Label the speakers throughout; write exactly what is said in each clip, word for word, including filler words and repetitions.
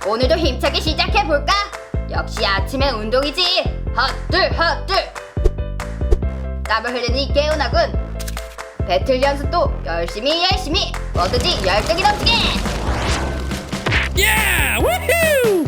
Speaker 1: 오늘도 힘차게 시작해볼까? 역시 아침엔 운동이지. 헛들 헛들. 땀을 흘리니 개운하군. 배틀 연습도 열심히 열심히 뭐든지 열정이 넘치게.
Speaker 2: Yeah! Woohoo!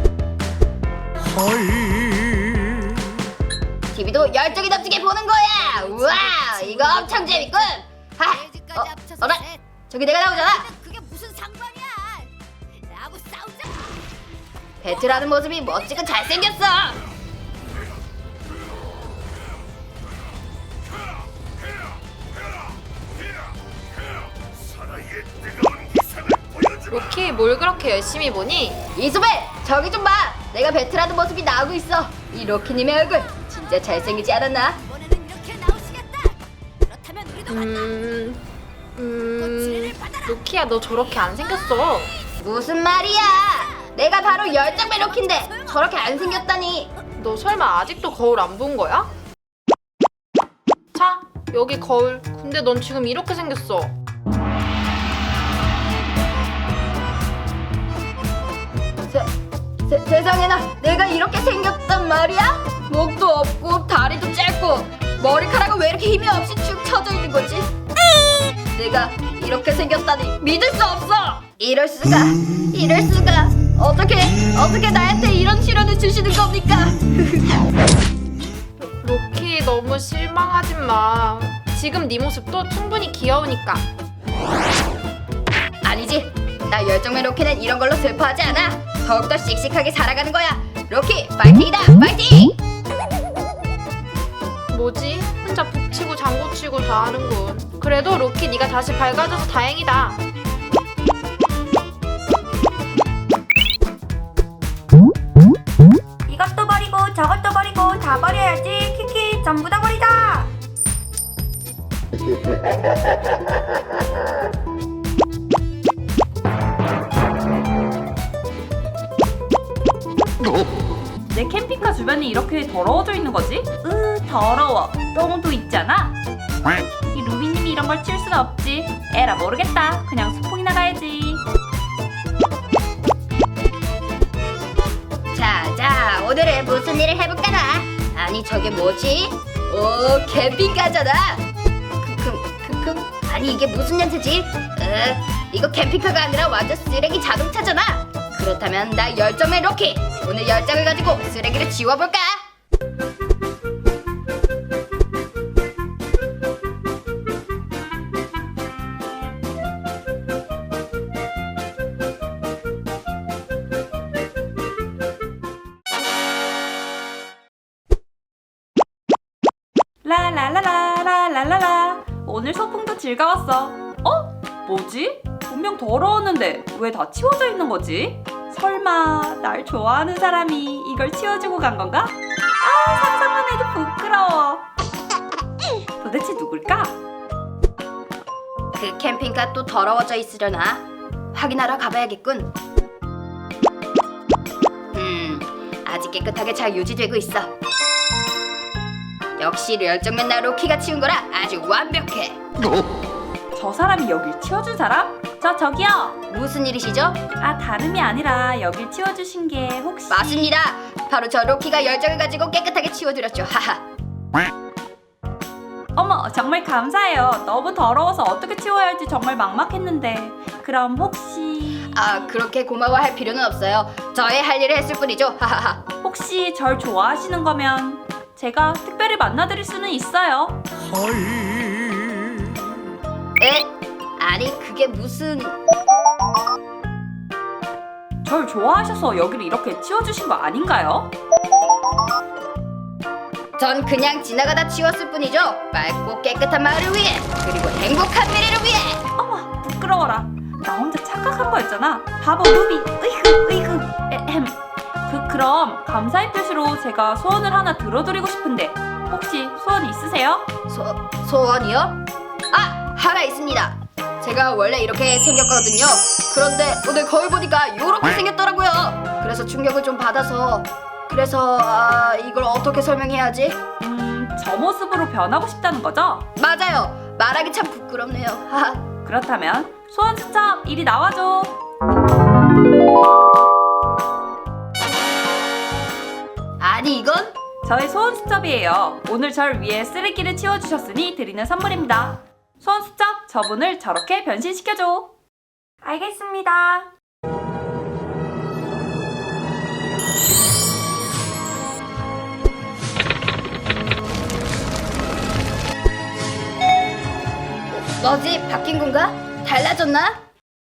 Speaker 1: 티비도 열정이 넘치게 보는 거야. 우와, 이거 엄청 재밌군. 하, 어, 어라, 저기 내가 나오잖아.
Speaker 3: 그게 무슨 상관이야? 나하고 싸우자.
Speaker 1: 배틀하는 모습이 멋지고 잘생겼어.
Speaker 4: 로키 뭘 그렇게 열심히 보니?
Speaker 1: 이소벨, 저기 좀 봐. 내가 배틀하는 모습이 나오고 있어. 이 로키님의 얼굴 진짜 잘생기지 않았나?
Speaker 3: 이번에는 이렇게 나오시겠다. 그렇다면 우리도 간다.
Speaker 4: 음...
Speaker 3: 그
Speaker 4: 음...
Speaker 3: 지뢰를 받아라.
Speaker 4: 로키야 너 저렇게 안 생겼어.
Speaker 1: 무슨 말이야? 내가 바로 열정배 로키인데 저렇게 안 생겼다니.
Speaker 4: 너 설마 아직도 거울 안 본 거야? 자, 여기 거울. 근데 넌 지금 이렇게 생겼어.
Speaker 1: 세, 세, 세상에나 내가 이렇게 생겼단 말이야? 목도 없고 다리도 짧고 머리카락은 왜 이렇게 힘이 없이 축 처져 있는 거지? 내가 이렇게 생겼다니 믿을 수 없어. 이럴 수가, 이럴 수가. 어떻게 어떻게 나한테 이런 시련을 주시는 겁니까?
Speaker 4: 로키 너무 실망하지 마. 지금 네 모습도 충분히 귀여우니까.
Speaker 1: 아니지, 나 열정맨 로키는 이런 걸로 슬퍼하지 않아. 더욱더 씩씩하게 살아가는 거야. 로키 파이팅이다, 파이팅!
Speaker 4: 뭐지? 혼자 북치고 장구치고 다 하는군. 그래도 로키 네가 다시 밝아져서 다행이다.
Speaker 5: 이것도 버리고 저것도 버리고 다 버려야지. 키키 전부 다 버리자. 내 캠핑카 주변이 이렇게 더러워져 있는 거지? 으 더러워. 똥도 있잖아. 이 루비님이 이런 걸 치울 순 없지. 에라 모르겠다. 그냥 소풍이나 가야지.
Speaker 1: 자, 자, 오늘은 무슨 일을 해볼까나? 아니, 저게 뭐지? 오, 캠핑카잖아. 크크, 크크. 아니, 이게 무슨 냄새지? 으, 이거 캠핑카가 아니라 완전 쓰레기 자동차잖아. 그렇다면 나 열정맨 로키. 오늘 열정을 가지고 쓰레기를 지워볼까?
Speaker 5: 라라라라라라라. 오늘 소풍도 즐거웠어. 어? 뭐지? 분명 더러웠는데 왜 다 치워져 있는 거지? 설마 날 좋아하는 사람이 이걸 치워주고 간 건가? 아 상상만 해도 부끄러워. 도대체 누굴까?
Speaker 1: 그 캠핑카 또 더러워져 있으려나? 확인하러 가봐야겠군. 음, 아직 깨끗하게 잘 유지되고 있어. 역시 열정맨 나 로키가 치운 거라 아주 완벽해.
Speaker 5: 저 사람이 여길 치워준 사람? 저 저기요.
Speaker 1: 무슨 일이시죠?
Speaker 5: 아 다름이 아니라 여길 치워주신 게 혹시
Speaker 1: 맞습니다. 바로 저 로키가 열정을 가지고 깨끗하게 치워드렸죠. 하하.
Speaker 5: 어머 정말 감사해요. 너무 더러워서 어떻게 치워야 할지 정말 막막했는데 그럼 혹시
Speaker 1: 아, 그렇게 고마워할 필요는 없어요. 저의 할 일을 했을 뿐이죠. 하하하.
Speaker 5: 혹시 절 좋아하시는 거면 제가 특별히 만나드릴 수는 있어요.
Speaker 1: 에? 아니, 그게 무슨...
Speaker 5: 절 좋아하셔서 여기를 이렇게 치워주신 거 아닌가요?
Speaker 1: 전 그냥 지나가다 치웠을 뿐이죠. 맑고 깨끗한 마을을 위해, 그리고 행복한 미래를 위해.
Speaker 5: 어머 부끄러워라. 나 혼자 착각한 거였잖아. 바보 루비. 으이그 으이그. 에헴. 그 그럼 감사의 뜻으로 제가 소원을 하나 들어드리고 싶은데 혹시 소원 있으세요?
Speaker 1: 소... 소원이요? 아! 하나 있습니다. 제가 원래 이렇게 생겼거든요. 그런데 오늘 거울 보니까 이렇게 생겼더라고요. 그래서 충격을 좀 받아서 그래서 아, 이걸 어떻게 설명해야 하지?
Speaker 5: 음, 저 모습으로 변하고 싶다는 거죠?
Speaker 1: 맞아요. 말하기 참 부끄럽네요. 하하.
Speaker 5: 그렇다면 소원 수첩 이리 나와줘.
Speaker 1: 아니 이건?
Speaker 5: 저희 소원 수첩이에요. 오늘 절 위해 쓰레기를 치워주셨으니 드리는 선물입니다. 소원 수첩, 저분을 저렇게 변신시켜줘. 알겠습니다.
Speaker 1: 뭐지? 바뀐 건가? 달라졌나?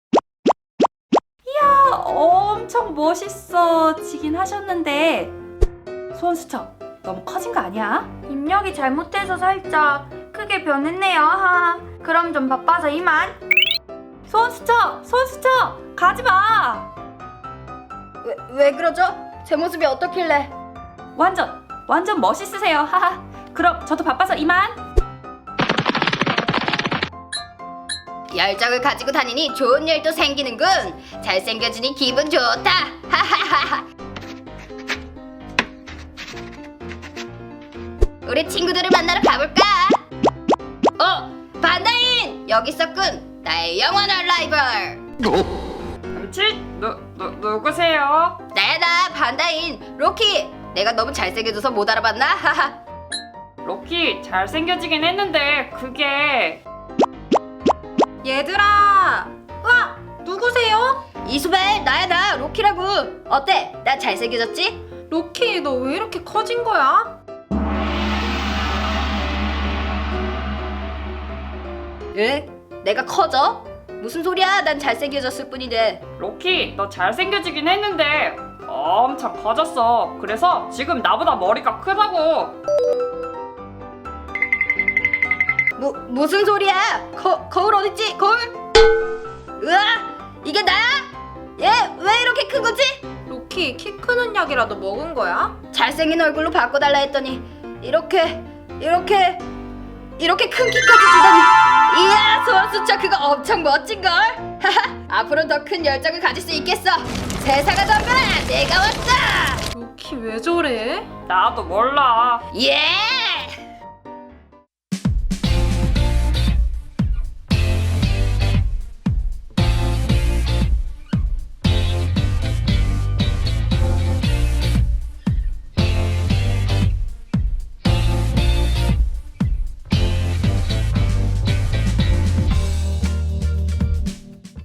Speaker 5: 이야, 엄청 멋있어지긴 하셨는데 소원 수첩 너무 커진 거 아니야?
Speaker 4: 입력이 잘못돼서 살짝 크게 변했네요. 하하. 그럼 좀 바빠서 이만.
Speaker 5: 소원 수첩, 소원 수첩 가지 마.
Speaker 1: 왜, 왜 그러죠? 제 모습이 어떻길래?
Speaker 5: 완전 완전 멋있으세요. 하하. 그럼 저도 바빠서 이만.
Speaker 1: 열정을 가지고 다니니 좋은 일도 생기는군. 잘생겨지니 기분 좋다. 하하하하. 우리 친구들을 만나러 가볼까? 어, 반다인! 여기 있었군. 나의 영원한 라이벌.
Speaker 5: 치? 누, 누, 누구세요?
Speaker 1: 나야 나 반다인 로키. 내가 너무 잘생겨져서 못 알아봤나? 하하.
Speaker 5: 로키 잘생겨지긴 했는데 그게
Speaker 4: 얘들아. 와, 누구세요?
Speaker 1: 이수벨 나야 나 로키라고. 어때? 나 잘생겨졌지?
Speaker 4: 로키, 너 왜 이렇게 커진 거야?
Speaker 1: 응? 내가 커져? 무슨 소리야? 난 잘생겨졌을 뿐인데.
Speaker 5: 로키 너 잘생겨지긴 했는데 엄청 커졌어. 그래서 지금 나보다 머리가 크다고.
Speaker 1: 무, 무슨 소리야? 거, 거울 어딨지? 거울? 으아! 이게 나야? 얘 왜 이렇게 큰 거지?
Speaker 4: 로키, 키 크는 약이라도 먹은 거야?
Speaker 1: 잘생긴 얼굴로 바꿔달라 했더니 이렇게 이렇게 이렇게 큰 키까지 주다니. 이야, 소원 수첩 그거 엄청 멋진걸? 하하, 앞으로 더 큰 열정을 가질 수 있겠어. 세상아 덤벼라, 내가 왔다.
Speaker 4: 로키 왜 저래?
Speaker 5: 나도 몰라.
Speaker 1: 예!